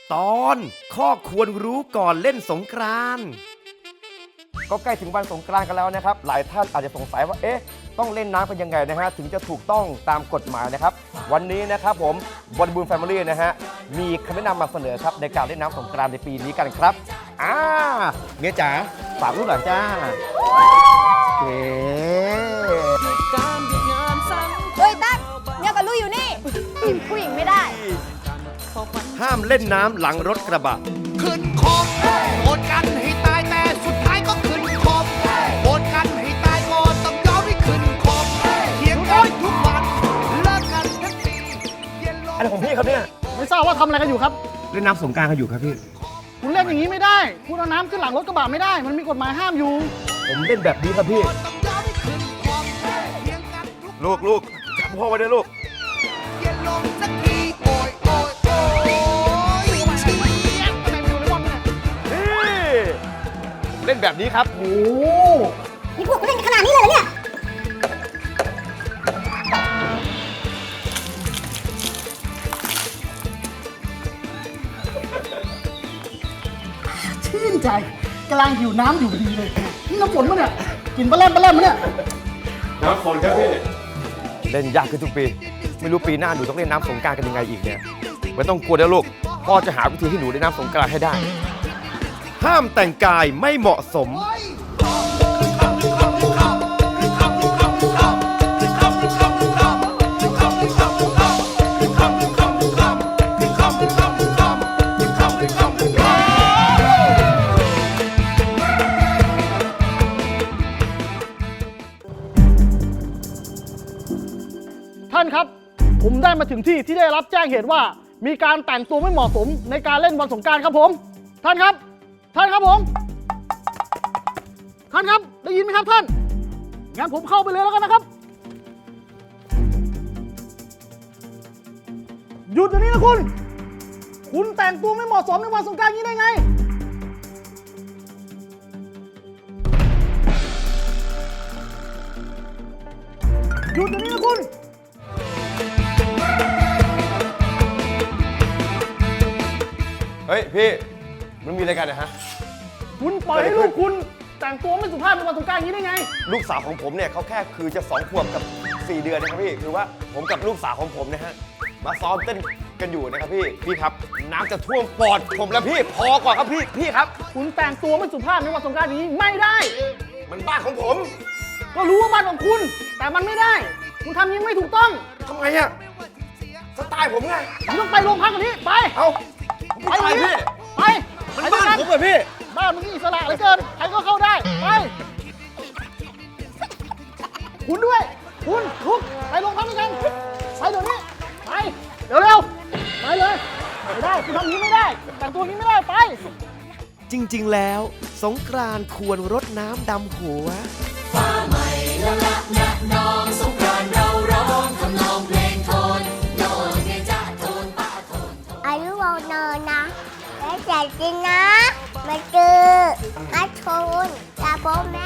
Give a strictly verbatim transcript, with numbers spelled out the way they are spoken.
ตอนข้อควรรู้ก่อนเล่นสงกรานต์ก็ใกล้ถึงวันสงกรานต์กันแล้วนะครับหลายท่านอาจจะสงสัยว่าเอ๊ะต้องเล่นน้ำกันยังไงนะฮะถึงจะถูกต้องตามกฎหมายนะครับวันนี้นะครับผมบริบูรณ์แฟมิลี่นะฮะมีคำแนะนำมาเสนอครับในการเล่นน้ำสงกรานต์ในปีนี้กันครับอ่าเมียจ๋าฝากลูกหลานจ้าเก๋เฮ้ยตั้งเนี่ยกับลูกอยู่นี่จีบผู้หญิงไม่ได้ห้ามเล่นน้ำหลังรถกระบะขึ้นคมโหดกันให้ตายแต่สุดท้ายก็ขึ้นคมโหดกันให้ตายก็ต้องยอมให้ขึ้นคมเถียงกันทุกวันเลิกกันทั้งปีเย็นลงอะไรของพี่ครับเนี่ยไม่ทราบว่าทำอะไรกันอยู่ครับเล่นน้ำสงกรานต์กันอยู่ครับพี่คุณเล่นอย่างนี้ไม่ได้ คุณเอาน้ำขึ้นหลังรถกระบะไม่ได้ มันมีกฎหมายห้ามอยู่ผมเล่นแบบนี้ครับพี่ต้องยอมให้ขึ้นคมเถียงกันทุกลูกลูกจับพ่อไว้ด้วยลูกเย็นลงสักทีโอยโอยโอยเชียบทำไมไม่ดูเลยว่ามันเนี่ยนี่เล่นแบบนี้ครับโอ้นี่พวกกูเล่นกันขนาดนี้เลยเหรอเนี่ยชื่นใจกำลังหิวน้ำอยู่พอดีเลย นี่น้ำฝนปะเนี่ย กินปลาแรมปลาแรมปะเนี่ยน้ำฝนครับพี่เล่นยากขึ้นทุกปี ไม่รู้ปีหน้าหนูต้องเล่นน้ำสงกรานต์กันยังไงอีกเนี่ยไม่ต้องกลัวนะลูกพ่อจะหาวิธีให้หนูเล่นน้ำสงกรานต์ให้ได้ ห้ามแต่งกายไม่เหมาะสมท่านครับ ผมได้มาถึงที่ที่ได้รับแจ้งเหตุว่า มีการแต่งตัวไม่เหมาะสมในการเล่นวันสงกรานต์ครับผม ท่านครับ ท่านครับผม ท่านครับ ได้ยินไหมครับท่าน งั้นผมเข้าไปเลยแล้วกันนะครับ หยุดเดี๋ยวนี้นะคุณ คุณแต่งตัวไม่เหมาะสมในวันสงกรานต์นี้ได้ไง หยุดเดี๋ยวนี้นะคุณเฮ้ยพี่มันมีอะไรกันนะฮะคุณปล่อยให้ลูกคุณแต่งตัวไม่สุภาพในวันสงกรานต์อย่างนี้ได้ไงลูกสาวของผมเนี่ยเขาแค่คือจะสองขวบกับสี่เดือนนะครับพี่คือว่าผมกับลูกสาวของผมนะฮะมาซ้อมเต้นกันอยู่นะครับพี่พี่ครับน้ำจะท่วมปอดผมแล้วพี่พอก่อนครับพี่พี่ครับคุณแต่งตัวไม่สุภาพในวันสงกรานต์อย่างนี้ไม่ได้มันบ้านของผมก็รู้ว่าบ้านของคุณ แต่มันไม่ได้ คุณทำอยังนี้ไม่ถูกต้องทำไมอะสไตล์ผมไงคุณต้องไปโรงพักกันนี้ไปเอาไปไปเลยพี่ไปมันไปบ้านด้วยผกัมเหรอพี่บ้านมึงนี่อิสระเหลือเกินใครก็เข้าได้ ไป คุณด้วย คุณลุกไปโรงพักด้วยกัน ไปเดี๋ยวนี้ ไป เร็วๆ ไปเลย ไม่ได้ คุณทำอย่างนี้ไม่ได้ แต่งตัวอย่างนี้ไม่ได้ ไปจริงๆแล้วสงกรานต์ควรรดน้ำดำหัวอายุวานอนนะและใจจริงนะมาเจออาชนตาโบแม่